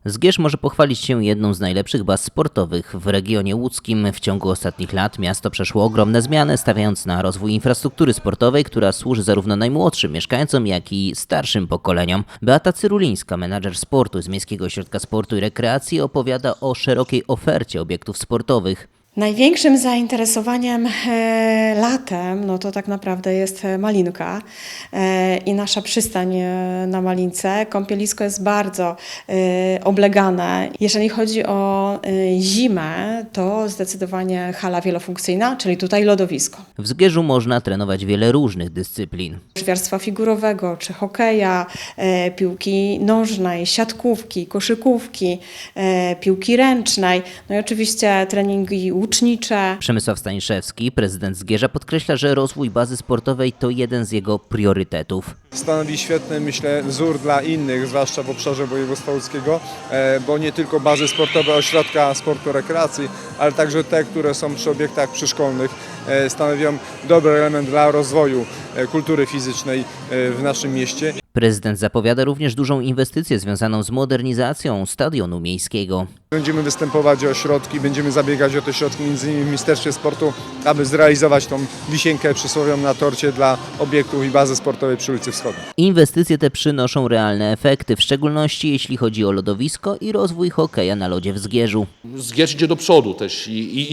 Zgierz może pochwalić się jedną z najlepszych baz sportowych w regionie łódzkim. W ciągu ostatnich lat miasto przeszło ogromne zmiany, stawiając na rozwój infrastruktury sportowej, która służy zarówno najmłodszym mieszkańcom, jak i starszym pokoleniom. Beata Cyrulińska, menadżer sportu z Miejskiego Ośrodka Sportu i Rekreacji, opowiada o szerokiej ofercie obiektów sportowych. Największym zainteresowaniem latem, no to tak naprawdę jest Malinka i nasza przystań na Malince. Kąpielisko jest bardzo oblegane. Jeżeli chodzi o zimę, to zdecydowanie hala wielofunkcyjna, czyli tutaj lodowisko. W Zgierzu można trenować wiele różnych dyscyplin. Żwiarstwa figurowego, czy hokeja, piłki nożnej, siatkówki, koszykówki, piłki ręcznej, no i oczywiście treningi łucznicze. Przemysław Staniszewski, prezydent Zgierza, podkreśla, że rozwój bazy sportowej to jeden z jego priorytetów. Stanowi świetny, myślę, wzór dla innych, zwłaszcza w obszarze województwa łódzkiego, bo nie tylko bazy sportowe, ośrodka sportu, rekreacji, ale także te, które są przy obiektach przyszkolnych, stanowią dobry element dla rozwoju kultury fizycznej w naszym mieście. Prezydent zapowiada również dużą inwestycję związaną z modernizacją stadionu miejskiego. Będziemy występować o środki, będziemy zabiegać o te środki między innymi w Ministerstwie Sportu, aby zrealizować tą wisienkę przysłowiową na torcie dla obiektów i bazy sportowej przy ulicy Wschodniej. Inwestycje te przynoszą realne efekty, w szczególności jeśli chodzi o lodowisko i rozwój hokeja na lodzie w Zgierzu. Zgierz idzie do przodu też i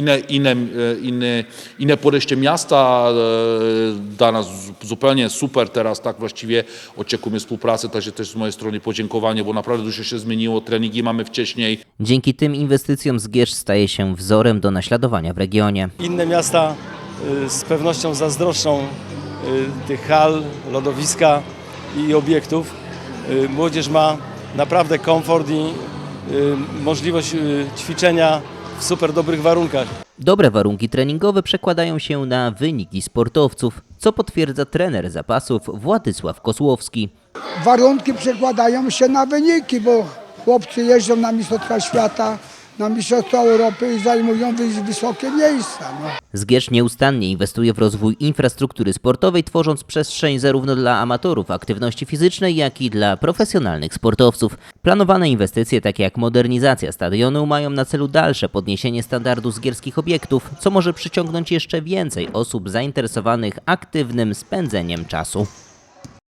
inne podejście miasta dla nas zupełnie super teraz, tak właściwie oczekujemy współpracy, także też z mojej strony podziękowanie, bo naprawdę dużo się zmieniło, treningi mamy wcześniej. Dzięki tym inwestycjom Zgierz staje się wzorem do naśladowania w regionie. Inne miasta z pewnością zazdroszczą tych hal, lodowiska i obiektów. Młodzież ma naprawdę komfort i możliwość ćwiczenia w super dobrych warunkach. Dobre warunki treningowe przekładają się na wyniki sportowców, co potwierdza trener zapasów Władysław Kosłowski. Warunki przekładają się na wyniki, bo chłopcy jeżdżą na Mistrzostwa Świata, na Mistrzostwa Europy i zajmują wysokie miejsca. No. Zgierz nieustannie inwestuje w rozwój infrastruktury sportowej, tworząc przestrzeń zarówno dla amatorów aktywności fizycznej, jak i dla profesjonalnych sportowców. Planowane inwestycje, takie jak modernizacja stadionu, mają na celu dalsze podniesienie standardu zgierskich obiektów, co może przyciągnąć jeszcze więcej osób zainteresowanych aktywnym spędzeniem czasu.